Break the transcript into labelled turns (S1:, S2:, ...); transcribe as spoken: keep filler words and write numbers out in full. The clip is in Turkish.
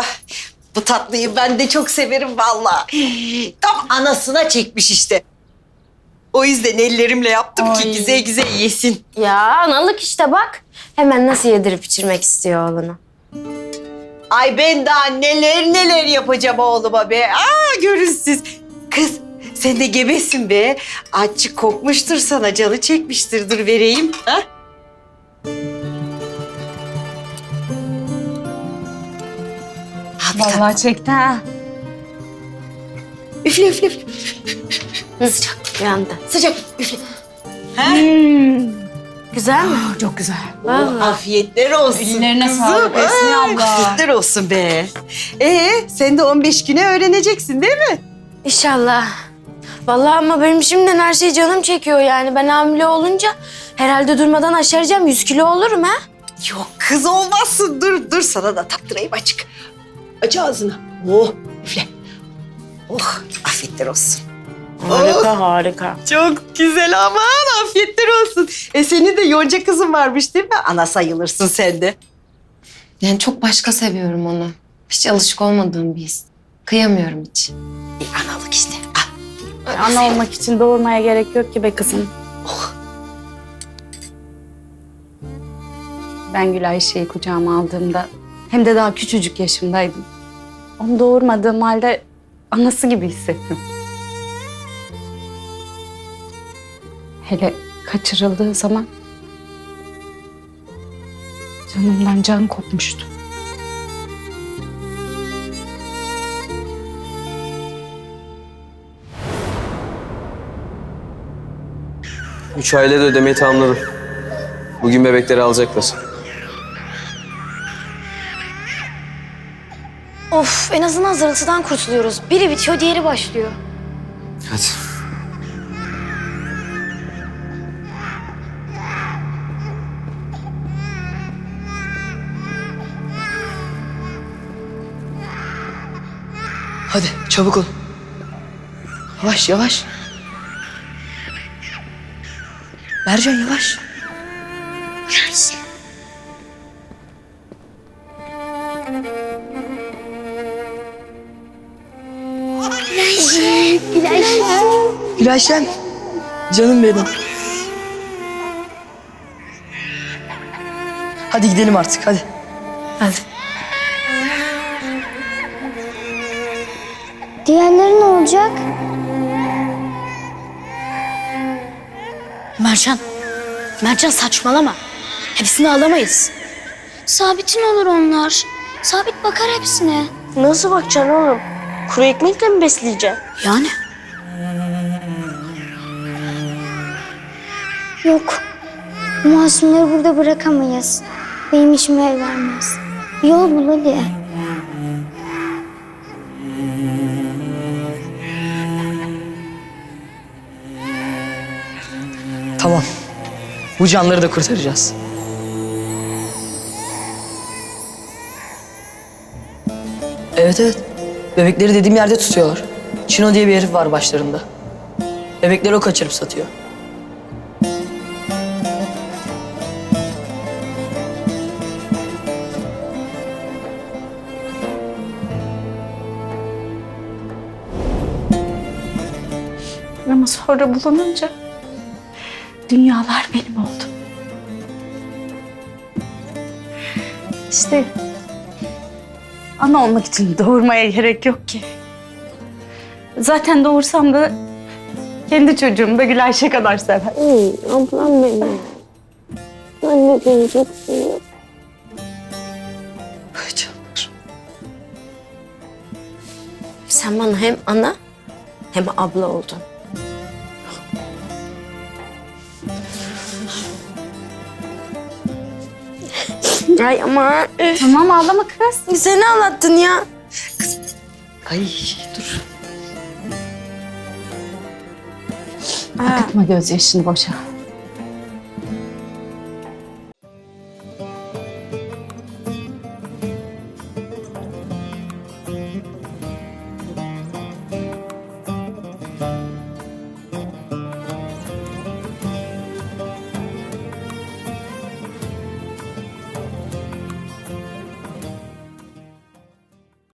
S1: Bu tatlıyı ben de çok severim vallahi. Tam anasına çekmiş işte. O yüzden ellerimle yaptım ki
S2: Ay.
S1: güzel güzel yesin.
S3: Ya analık işte bak. Hemen nasıl yedirip içirmek istiyor oğlunu.
S1: Ay ben daha neler neler yapacağım oğluma be. Aa görün siz. Kız sen de gebesin be. Açık kokmuştur sana, canı çekmiştir. Dur vereyim. Ha?
S2: Vallahi çekti ha.
S1: Üfle üfle üfle.
S3: Sıcak bir anda.
S1: Sıcak üfle. Ha?
S2: Hmm.
S3: Güzel mi?
S2: Ah, çok güzel.
S3: Vallahi.
S1: Afiyetler olsun
S2: Ellerine
S1: kızım.
S2: sağlık Esmi
S1: Ay,
S2: abla.
S1: Afiyetler olsun be. Ee sen de on beş güne öğreneceksin değil mi?
S3: İnşallah. Vallahi ama benim şimdiden her şey canım çekiyor yani. Ben hamile olunca herhalde durmadan aşaracağım. Yüz kilo olurum ha.
S1: Yok kız olmazsın. Dur dur sana da taktırayım açık. Aç ağzını. Oh üfle. Oh afiyetler olsun.
S3: Harika harika.
S1: Çok güzel aman afiyetler olsun. E senin de yonca kızın varmış değil mi? Ana sayılırsın sen de.
S4: Yani çok başka seviyorum onu. Hiç alışık olmadığım bir his. Kıyamıyorum hiç.
S1: E, analık işte. Al.
S2: Ana olmak için doğurmaya gerek yok ki be kızım.
S1: Oh.
S2: Ben Gül Ayşe'yi kucağıma aldığımda hem de daha küçücük yaşımdaydım. Onu doğurmadığım halde anası gibi hissettim. Hele kaçırıldığı zaman canımdan can kopmuştu.
S5: Üç aile de ödemeyi tamamladı. Bugün bebekleri alacaklar.
S6: Of, en azından zırıltıdan kurtuluyoruz. Biri bitiyor, diğeri başlıyor.
S5: Hadi.
S7: Hadi çabuk ol. Yavaş yavaş. Mercan yavaş. Gülayşem. Canım benim. Hadi gidelim artık hadi.
S3: Hadi.
S6: Diğerleri ne olacak?
S8: Mercan, Mercan saçmalama. Hepsini alamayız.
S6: Sabit'in olur onlar. Sabit bakar hepsine.
S3: Nasıl bakacaksın oğlum? Kuru ekmekle mi besleyeceksin?
S8: Yani
S6: Yok. Bu masumları burada bırakamayız. Benim işime el vermez. Bir yol bul hadi.
S7: Tamam. Bu canları da kurtaracağız. Evet evet. Bebekleri dediğim yerde tutuyorlar. Çino diye bir herif var başlarında. Bebekleri o kaçırıp satıyor.
S2: Ama sonra bulununca dünyalar benim oldu. İşte ana olmak için doğurmaya gerek yok ki. Zaten doğursam da kendi çocuğumu da Gül Ayşe kadar sever.
S3: Ablam benim. Anne beni çok seviyor.
S7: Ay canlar.
S3: Sen bana hem ana hem abla oldun. Ay ama üf,
S2: Tamam ağlama kız.
S3: sen ağlattın ya.
S1: Ay dur.
S2: Akıtma gözyaşını boşa.